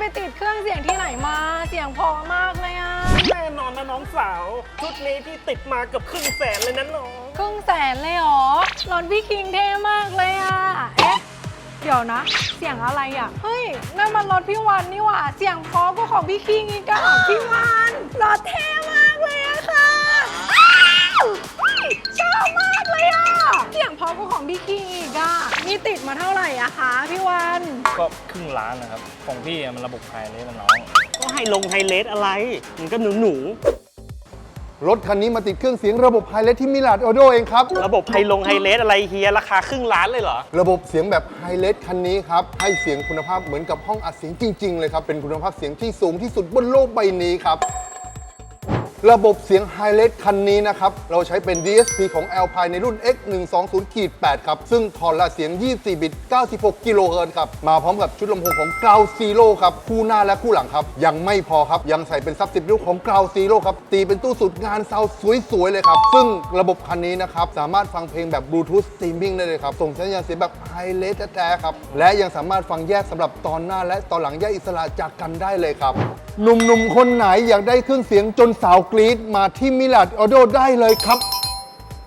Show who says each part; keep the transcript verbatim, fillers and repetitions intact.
Speaker 1: ไปติดเครื่องเสียงที่ไหนมาเสียงพอมากเลยอะ
Speaker 2: แน่นอนนะน้องสาวชุดนี้ที่ติดมาเกือบครึ่งแสนเลยนะน้อง
Speaker 1: ครึ่งแสนเลยเหรอรถพี่คิงเท่มากเลยอะเอ๊ะเดี๋ยวนะเสียงอะไรอะเฮ้ยนั่นมันรถพี่วันนี่หว่าเสียงเพราะก็ของพี่คิงอีกอะพี่วันรถเท่มากเลยอะค่ะชอบมากเลยอะเสียงเพราะก็ของพี่คิงอีกอะนี่ติดมาเท่าไหร่อะคะพี่วัน
Speaker 3: ก็ครึ่งล้านนะครับของพี่มันระบบภายในมันน้อง
Speaker 2: ก็ให้ลงไฮเลสอะไรมันก็หนูหนู
Speaker 4: รถคันนี้มาติดเครื่องเสียงระบบไฮเลสที่มิลาดออโดเองครับ
Speaker 2: ระบบไฮลงไฮเลสอะไรเฮียราคาครึ่งล้านเลยเหรอ
Speaker 4: ระบบเสียงแบบไฮเลสคันนี้ครับให้เสียงคุณภาพเหมือนกับห้องอัดเสียงจริงๆเลยครับเป็นคุณภาพเสียงที่สูงที่สุดบนโลกใบนี้ครับระบบเสียงไฮเลสคันนี้นะครับเราใช้เป็น ดี เอส พี ของ Alpine ในรุ่น เอ็กซ์ หนึ่งสองศูนย์ แปด ครับซึ่งถอดละเสียงยี่สิบสี่บิตเก้าสิบหกกิโลเฮิรตซ์ครับมาพร้อมกับชุดลำโพงของ Ground Zero ครับคู่หน้าและคู่หลังครับยังไม่พอครับยังใส่เป็นซับสิบนิ้วของ Ground Zero ครับตีเป็นตู้สูตรงานซาวด์สวยๆเลยครับซึ่งระบบคันนี้นะครับสามารถฟังเพลงแบบ Bluetooth Streaming ได้เลยครับส่งสัญญาณเสียงแบบไฮเลสแท้ๆครับและยังสามารถฟังแยกสำหรับตอนหน้าและตอนหลังแยกอิสระจากกันได้เลยครับหนุ่มๆคนไหนอยากได้เครื่องเสียงจนสาวกรี๊ดมาที่มิลาดออโดได้เลยครับ